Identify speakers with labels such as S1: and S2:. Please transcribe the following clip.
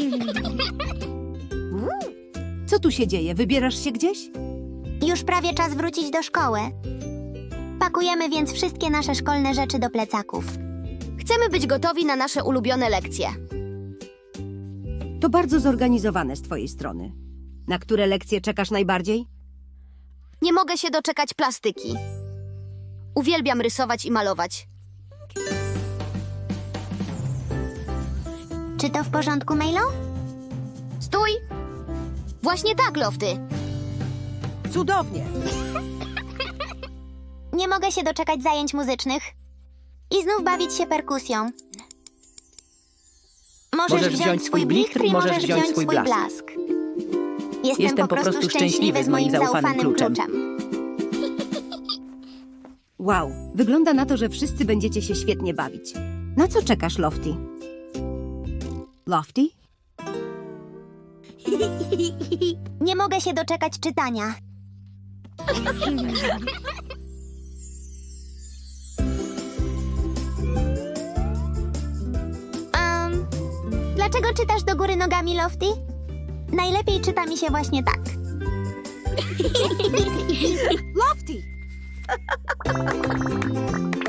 S1: Co tu się dzieje? Wybierasz się gdzieś?
S2: Już prawie czas wrócić do szkoły. Pakujemy więc wszystkie nasze szkolne rzeczy do plecaków.
S3: Chcemy być gotowi na nasze ulubione lekcje.
S1: To bardzo zorganizowane z twojej strony. Na które lekcje czekasz najbardziej?
S3: Nie mogę się doczekać plastyki. Uwielbiam rysować i malować.
S2: Czy to w porządku, Milo?
S3: Stój! Właśnie tak, Lofty.
S1: Cudownie!
S2: Nie mogę się doczekać zajęć muzycznych. I znów bawić się perkusją. Możesz wziąć swój blichtr i możesz wziąć swój blask. Jestem po prostu szczęśliwy z moim zaufanym kluczem.
S1: Wow, wygląda na to, że wszyscy będziecie się świetnie bawić. Na co czekasz, Lofty? Lofty?
S2: Nie mogę się doczekać czytania. Dlaczego czytasz do góry nogami, Lofty? Najlepiej czyta mi się właśnie tak.
S1: Lofty!